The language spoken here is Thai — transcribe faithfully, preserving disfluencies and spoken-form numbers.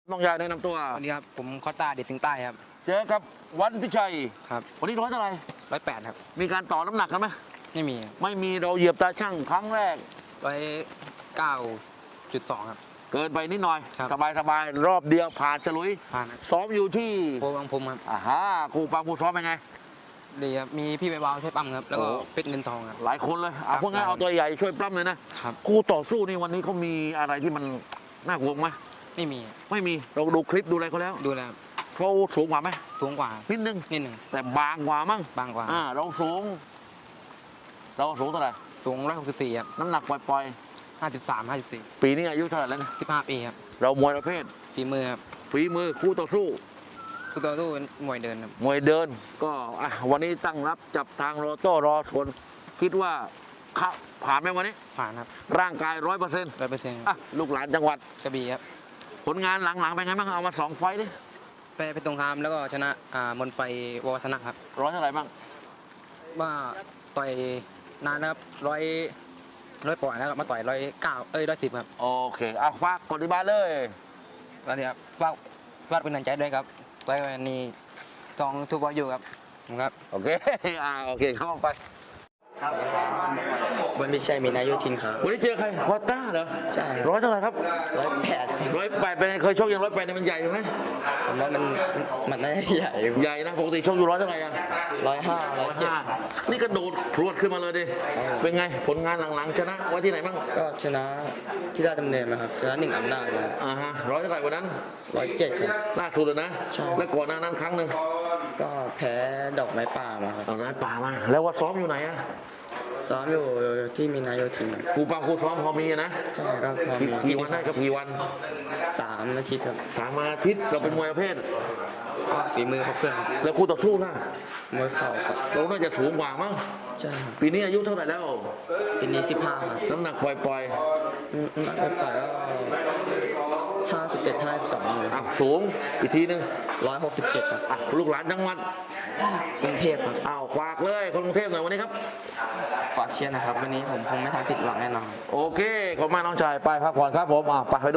น้องยายแนะนำตัวสวัสดีครับผมคอต้าเด็ดถึงใต้ครับเจอกับวันพิชัยครับวันนี้ร้อยเท่าไหร่ร้อยแปดครับมีการต่อน้ำหนักกันไหมไม่มีไม่มีเราเหยียบตาช่างครั้งแรกร้อยเก้าจุดสองครับเกินไปนิดหน่อยครับสบายสบายรอบเดียวผ่านฉลุยผ่านซ้อมอยู่ที่โพบางพรมครับอ่าฮะครูปังครูซ้อมเป็นไงดีครับมีพี่ใบวาวช่วยปั๊มครับแล้วก็เป็ดเงินทองครับหลายคนเลยเอาพวกงั้นเอาตัวใหญ่ช่วยปล้ำเลยนะครับครูต่อสู้นี่วันนี้เขามีอะไรที่มันน่ากลัวไหมไม่มีไม่มีเราดูคลิปดูอะไรเขาแล้วดูแล้วเขาสูงกว่าไหมสูงกว่านิดนึงนิดหนึ่งแต่บางกว่ามั้งบางกว่าอ่าเราสูงเราสูงเท่าไหร่สูงร้อยหกสิบสี่ครับน้ำหนักปล่อยห้าสิบสามห้าสิบสี่ๆปีนี้อายุเท่าไหร่แล้วนะสิบห้าปีครับเรามวยประเภทฝีมือครับฝีมือคู่ต่อสู้คู่ต่อสู้เป็นมวยเดินครับมวยเดินก็อ่ะวันนี้ตั้งรับจับทางรอโต้รอชนคิดว่าเข้าผ่านไหมวันนี้ผ่านครับร่างกายร้อยเปอร์เซ็นต์ร้อยเปอร์เซ็นต์อ่ะลูกหลานจังหวัดกระบี่ครับผลงานหลังๆเป็นไงบ้างเอามาสองไฟต์ดิไปไปตรงคามแล้วก็ชนะอ่ามนไฟววัฒนะครับร้อยเท่าไหร่บ้างว่าต่อยนานนะครับร้อยร้อยปอนด์นะครับมาต่อยร้อยเก้าเอ้ยร้อยสิบครับโอเคเอาฝากกดที่บ้านเลยสวัสดีครับฝากฝากเป็นกำลังใจด้วยครับต่อยวันนี้จองทุกบอลอยู่ครับครับโอเคอ่าโอเคเข้าไปบนพิชัยมีนายุทินครับวันนี้เจอใครคอต้าเหรอใช่ร้อยเท่าไหร่ครับร้อยแปดร้อยแปดเป็นเคยชกยังร้อยแปดเนี่ยมันใหญ่ไหมผมว่ามันมันน่าใหญ่ใหญ่นะปกติชกอยู่ร้อยเท่าไหร่อ่ะร้อยห้าร้อยเจ็ดนี่กระโดดพรวดขึ้นมาเลยดิเป็นไงผลงานหลังๆชนะไว้ที่ไหนบ้างก็ชนะที่ราชดำเนินนะครับชนะหนึ่งอำนาจครับอ่าฮะร้อยเท่าไหร่วันนั้นร้อยเจ็ดครับล่าสุดเลยนะแล้วก่อนหน้านั้นครั้งหนึ่งก็แพ้ดอกไม้ป่ามาครับดอกไม้ป่ามาแล้วว่าซ้อมอยู่ไหนอะซ้อมอยู่ที่มีนาโยธินครูปังครูซ้อมพอมีนะใช่ก็พอมีกี่วันได้ครับกี่วันสามอาทิตย์ครับสามอาทิตย์เราเป็นมวยประเภทก็ฝีมือเขาเพื่อนแล้วคู่ต่อสู้นะมวยเข่าครับเราน่าจะสูงกว่ามั้งใช่ครับปีนี้อายุเท่าไหร่แล้วปีนี้สิบห้าครับน้ำหนักปล่อยปล่อยน้ำหนักปล่อยแล้วห้าสิบเอ็ดห้าสองอ่ะสูงอีกทีนึงร้อยหกสิบเจ็ดครับอ่ะลูกหลานจังหวัดกรุงเทพครับอ้าวฝากเลยคนกรุงเทพหน่อยวันนี้ครับฝากเชียร์นะครับวันนี้ผมคงไม่ทำผิดหวังแน่นอนโอเคขอบคุณมากน้องชายไปพักผ่อนครับผมอ่ะไป